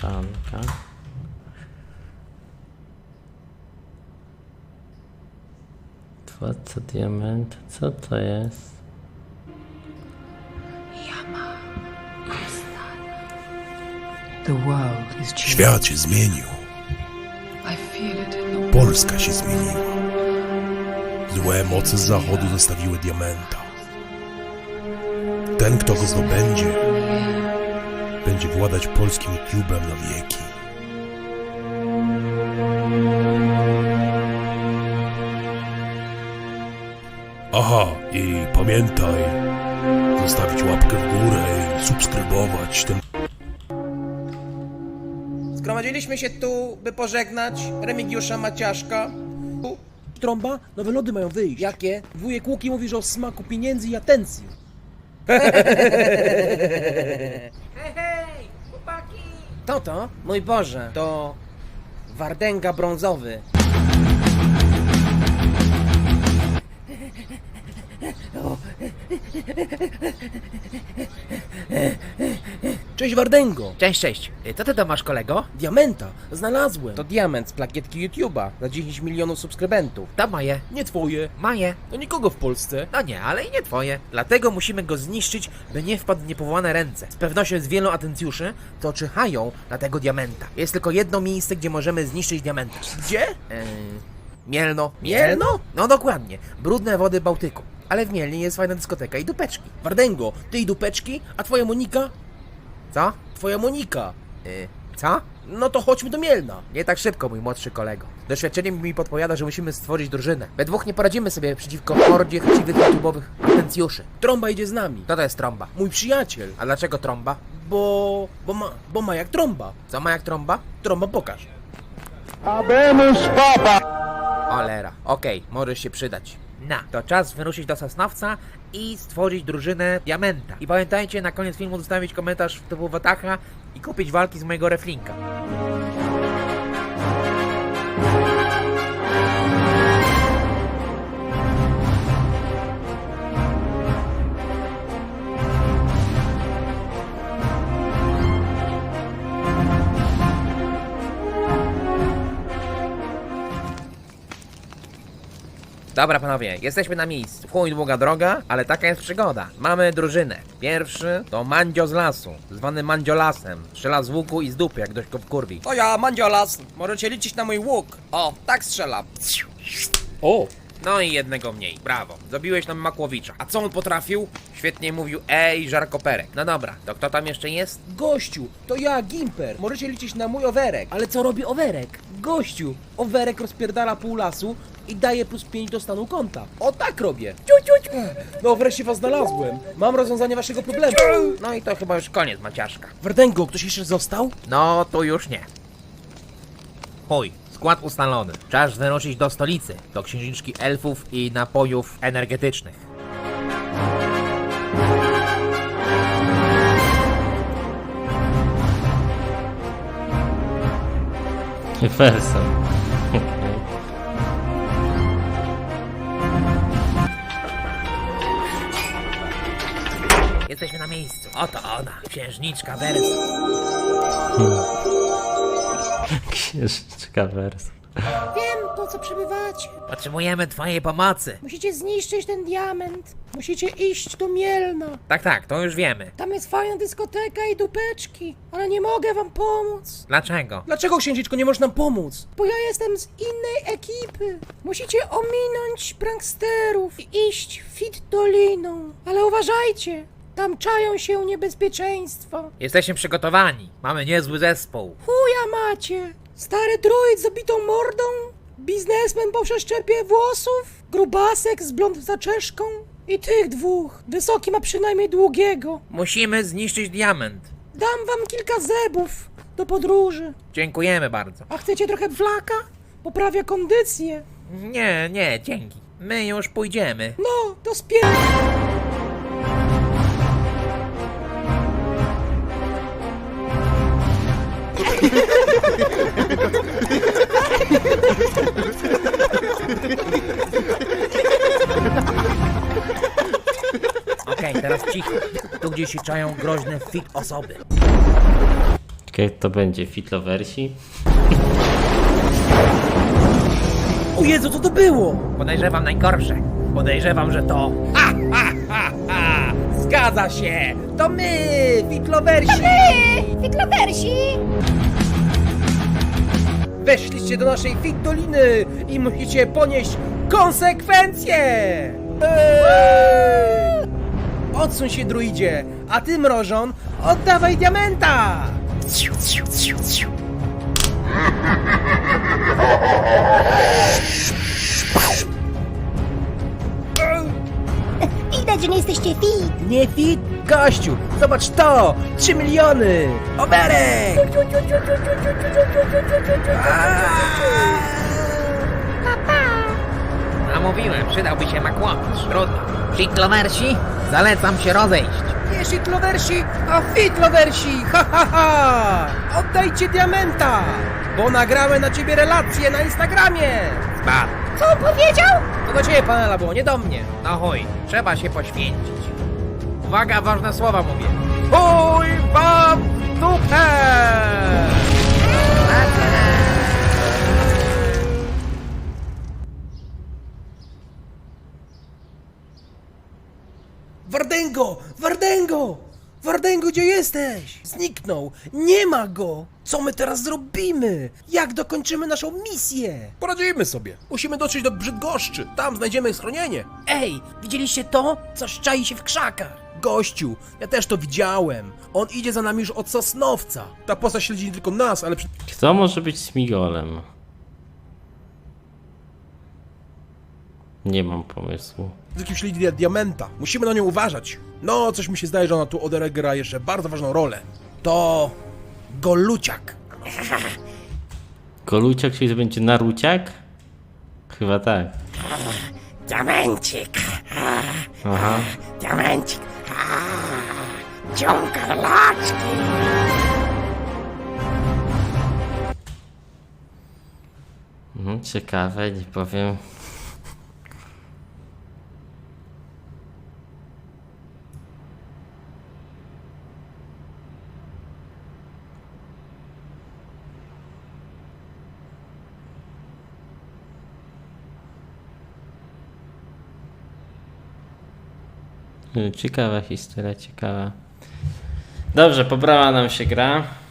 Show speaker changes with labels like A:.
A: mieszanka. Władca diament, co to jest?
B: The world is changing.
C: Świat się zmienił.
B: I feel it in the
C: Polska się zmieniła. Złe moce z zachodu zostawiły diamenta. Ten, kto go zdobędzie, będzie władać polskim YouTube'em na wieki. Aha, i pamiętaj, zostawić łapkę w górę i subskrybować ten...
D: Zgromadziliśmy się tu, by pożegnać Remigiusza Maciaszka.
E: Trąba, nowe lody mają wyjść.
D: Jakie?
E: Wujek Łuki mówi, że o smaku pieniędzy i atencji.
D: Hej, chłopaki! To? Mój Boże, to Wardęga brązowy.
E: Cześć Wardęgo.
D: Cześć. Co ty tam masz, kolego?
E: Diamenta, znalazłem.
D: To diament z plakietki YouTube'a za 10 milionów subskrybentów.
F: To moje.
E: Nie twoje.
F: Moje.
E: To nikogo w Polsce.
F: No nie, ale i nie twoje. Dlatego musimy go zniszczyć, by nie wpadł w niepowołane ręce. Z pewnością jest wielu atencjuszy, co czyhają na tego diamenta. Jest tylko jedno miejsce, gdzie możemy zniszczyć diamenta.
E: Gdzie?
F: Mielno.
E: Mielno?
F: No dokładnie. Brudne wody Bałtyku. Ale w Mielnie jest fajna dyskoteka i dupeczki.
E: Wardęgo, ty i dupeczki, a twoja Monika?
F: Co?
E: Twoja Monika.
F: Co?
E: No to chodźmy do Mielna.
F: Nie tak szybko, mój młodszy kolego. Doświadczenie mi podpowiada, że musimy stworzyć drużynę. We dwóch nie poradzimy sobie przeciwko hordzie chciwych YouTube'owych atencjuszy.
E: Trąba idzie z nami.
F: Kto to jest trąba?
E: Mój przyjaciel.
F: A dlaczego trąba?
E: Bo ma jak trąba.
F: Co ma jak trąba?
E: Trąba pokaż.
F: Olera. Okej, możesz się przydać. To czas wyruszyć do Sosnowca i stworzyć drużynę Diamenta. I pamiętajcie na koniec filmu zostawić komentarz typu Watacha i kupić walki z mojego reflinka. Dobra panowie, jesteśmy na miejscu. Chuj długa droga, ale taka jest przygoda. Mamy drużynę. Pierwszy to Mandzio z lasu, zwany Mandziolasem. Strzela z łuku i z dupy, jak ktoś go wkurwi.
D: To ja, Mandziolas. Możecie liczyć na mój łuk. O, tak strzelam.
E: O,
F: No i jednego mniej, brawo. Zabiłeś nam Makłowicza.
D: A co on potrafił?
F: Świetnie mówił żarkoperek. No dobra, to kto tam jeszcze jest?
E: gościu, to ja, Gimper.
D: Możecie liczyć na mój owerek.
E: Ale co robi Owerek? Gościu, Owerek rozpierdala pół lasu i daje +5 do stanu konta. O tak robię. No wreszcie was znalazłem. Mam rozwiązanie waszego problemu.
F: No i to chyba już koniec, Maciaszka.
E: Wardęgo, ktoś jeszcze został?
F: No, tu już nie. Chuj, skład ustalony. Czas wyruszyć do stolicy, do księżniczki elfów i napojów energetycznych.
A: Wersem. Okej.
F: Jesteśmy na miejscu. Oto ona, księżniczka Wersa.
A: Księżniczka wers.
G: Wiem, po co przybywacie.
F: Potrzebujemy twojej pomocy.
G: Musicie zniszczyć ten diament. Musicie iść do Mielna.
F: Tak, to już wiemy.
G: Tam jest fajna dyskoteka i dupeczki. Ale nie mogę wam pomóc,
F: Dlaczego?
E: Dlaczego księżniczko nie możesz nam pomóc?
G: bo ja jestem z innej ekipy. Musicie ominąć pranksterów i iść fit doliną. Ale uważajcie, tam czają się niebezpieczeństwa.
F: Jesteśmy przygotowani. Mamy niezły zespół.
G: Chuja macie. Stary druid z obitą mordą, biznesmen po przeszczepie włosów, grubasek z blond zaczeszką i tych dwóch. Wysoki ma przynajmniej długiego.
F: Musimy zniszczyć diament.
G: Dam wam kilka zebów do podróży.
F: Dziękujemy bardzo.
G: A chcecie trochę flaka? Poprawia kondycję.
F: Nie, dzięki. My już pójdziemy.
G: No, to spier...
F: Okej, teraz cicho. Tu gdzieś się czają groźne fit osoby.
A: Ciekawe, to będzie Fitloversi.
E: O Jezu, co to było?
F: Podejrzewam najgorsze. Podejrzewam, że to...
E: Zgadza się! To my, Fitloversi!
G: Wyklowersi!
E: Weszliście do naszej Fit Doliny i musicie ponieść konsekwencje! Odsuń się, druidzie, a ty, mrożon, oddawaj diamenta!
G: Widać, że nie jesteście fit!
E: Nie fit, gościu! Zobacz to! 3 miliony! Oberek!
F: A mówiłem, przydałby się makłowicz. Trudno. Fitloversi, zalecam się rozejść.
E: Nie Fitloversi, a Fitloversi! Ha, ha, ha! Oddajcie diamenta! Bo nagrałem na ciebie relację na Instagramie!
F: Ba,
G: Co on powiedział?
E: To do ciebie, panela, było, nie do mnie.
F: no chuj, trzeba się poświęcić. Uwaga, ważne słowa mówię. Chuj wam w dupę!
E: Wardęgo! Wardęgo! Wardęgo, gdzie jesteś? Zniknął! Nie ma go! Co my teraz zrobimy? Jak dokończymy naszą misję?
C: Poradzimy sobie. Musimy dotrzeć do Brzydgoszczy. Tam znajdziemy schronienie.
E: Ej, widzieliście to? Coś czai się w krzakach. Gościu, ja też to widziałem. On idzie za nami już od Sosnowca.
C: Ta postać śledzi nie tylko nas, ale
A: Kto może być Smigolem? Nie mam pomysłu.
C: wszystkim śledzi diamenta. Musimy na nią uważać. No, coś mi się zdaje, że ona tu odegra jeszcze bardzo ważną rolę.
E: To... Goluciak.
A: Goluciak, czyli to będzie Naruciak? Chyba tak.
G: Diamencik!
A: Aha.
G: Diamencik! Ciąga laczki!
A: Ciekawe, nie powiem. Ciekawa historia, ciekawa. Dobrze, pobrała nam się gra.